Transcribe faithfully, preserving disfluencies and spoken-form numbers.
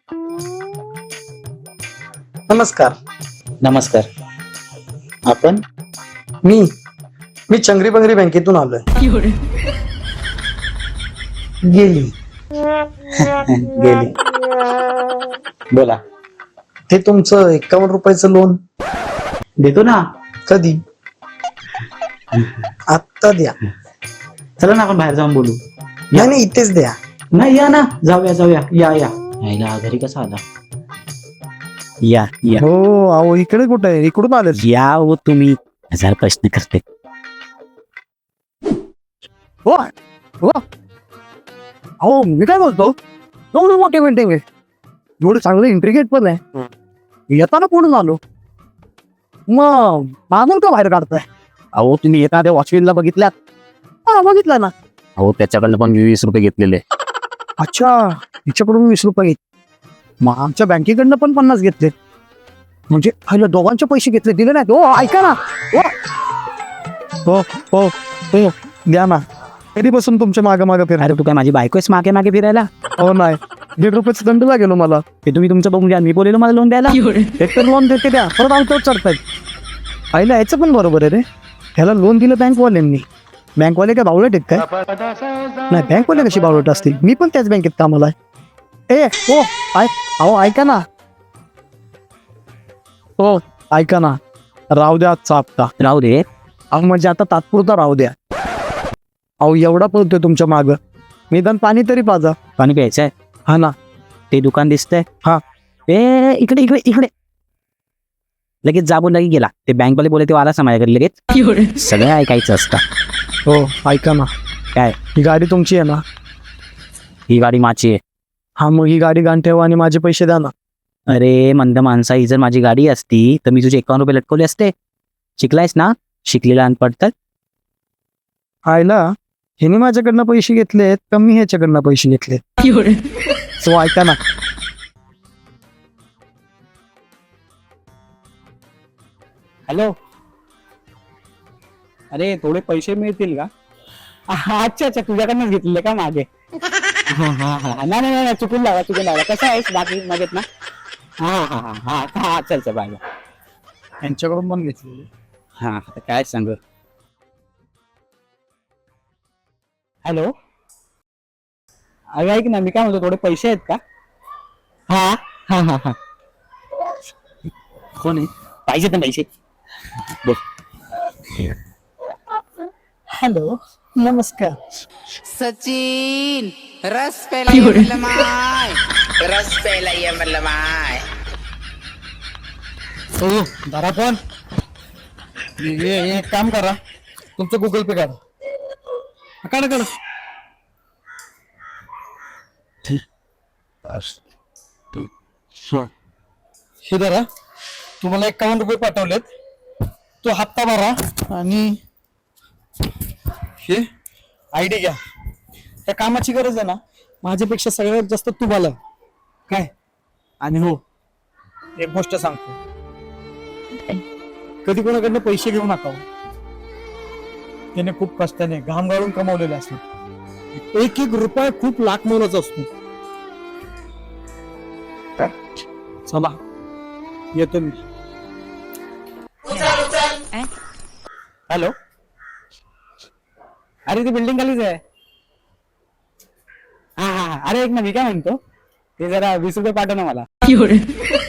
नमस्कार. नमस्कार. आपण? मी मी चंगरी बंगरी बँकेतून आलोय. गेली गेली. बोला. ते तुमचं एकावन्न रुपयाचं लोन देतो ना. कधी? आत्ता द्या. चला ना आपण बाहेर जाऊन बोलू. नाही नाही, इथेच द्या. नाही या ना, जाऊया जाऊया. या या यायला घरी कसा आला? या या हो अहो इकडे कुठे आहे? इकडून आले. या हो तुम्ही. हजार प्रश्न करते. हो हो अहो मी काय बोलतो, एवढं मोठे पेंटिंग आहे, एवढं चांगलं इंट्रिगेट पण आहे. येताना कोण आलो मग मागून का बाहेर काढताय? अहो तुम्ही एखाद्या वॉचमॅनला बघितल्यात? हा बघितला ना. अहो त्याच्याकडनं पण वीस रुपये घेतलेले. अच्छा, हिच्याकडून वीस रुपये घेतले, मग आमच्या बँकेकडनं पण पन्नास घेतले, म्हणजे पहिलं दोघांचे पैसे घेतले, दिले नाहीत. हो ऐका ना. हो हो हो द्या ना. कधीपासून तुमच्या मागे मागे फिरा? अरे तू काय माझी बायकोच मागे मागे फिरायला? हो नाही, दीड रुपयाचा दंड लागेल मला. ते तुम्ही तुमचं बघून घ्या. मी बोलेलो मला लोन द्यायला. एक तर लोन देते द्या, परत आमच्यावर चढतायत. आईला याचं पण बरोबर आहे रे. ह्याला लोन दिलं बँकवाल्यांनी. बँकवाले काय बावळट आहेत काय? नाही, बँकवाले कशी बावळट असतील? मी पण त्याच बँकेत कामाला आहे. ए हो ऐ अहो ऐका ना. हो ऐका ना, राहू द्या आजचा हप्ता. राहू दे. अहो म्हणजे आता तात्पुरता राहू द्या. अहो एवढा पळतोय तुमच्या मागं, निदान पाणी तरी पाजा. पाणी प्यायचंय? हा ना. ते दुकान दिसतंय? हा. ए इकडे इकडे इकडे. लगेच जाबून लगेच गेला. ते बँकवाले बोले ते आला माझ्याकडे लगेच. सगळं ऐकायचं असतं. हो ऐका ना. काय? ही गाडी तुमची आहे ना? ही गाडी माझी आहे. हा मग ही गाडी गाण ठेवा आणि माझे पैसे द्या ना. अरे मंद माणसा, ही जर माझी गाडी असती तर मी तुझे एकावन्न रुपये लटकवले असते. शिकलायस ना? शिकलेला अनपढ तर. आयला ह्याने माझ्याकडनं पैसे घेतलेत का मी ह्याच्याकडनं पैसे घेतलेत? सो ऐका ना. हॅलो. अरे थोडे पैसे मिळतील का? अच्छा अच्छा, तुझ्याकडनंच घेतलेले का मागे? नाही नाही नाही, चुकून लावा चुकून लावा. कसं आहेस बाकी मजेत ना? हा हा हा हा हा चल चल बाय बाय. यांच्याकडून पण घेतलेले. हा आता काय सांग. हॅलो. अरे ऐक ना, मी काय म्हणतो, थोडे पैसे आहेत का? हा हा हा हा. कोण आहे? पाहिजेत ना पैसे. बोल. हॅलो नमस्कार. सचिन रस पेला ये म्हणलं माय, रस पेला ये म्हणलं माय. हो दारा पण एक काम करा, तुमचं गुगल पे करा. काढा काढा. हे धरा, तुम्हाला एकावन्न रुपये पाठवलेत. तो हप्ता भरा आणि हे आय डी घ्या. त्या कामाची गरज आहे ना, माझ्यापेक्षा सगळ्यात जास्त तुम्हाला काय. आणि हो एक गोष्ट सांगतो, कधी कोणाकडनं पैसे घेऊ नका. त्याने खूप कष्टाने घाम गाळून कमावलेले असतात. एक एक रुपया खूप लाख मोलाचा असतो. चला येतो मी. हॅलो. अरे ती बिल्डिंग खालीच आहे. हा हा. अरे एक ना, मी काय म्हणतो, ते जरा वीस रुपये पाठव ना मला.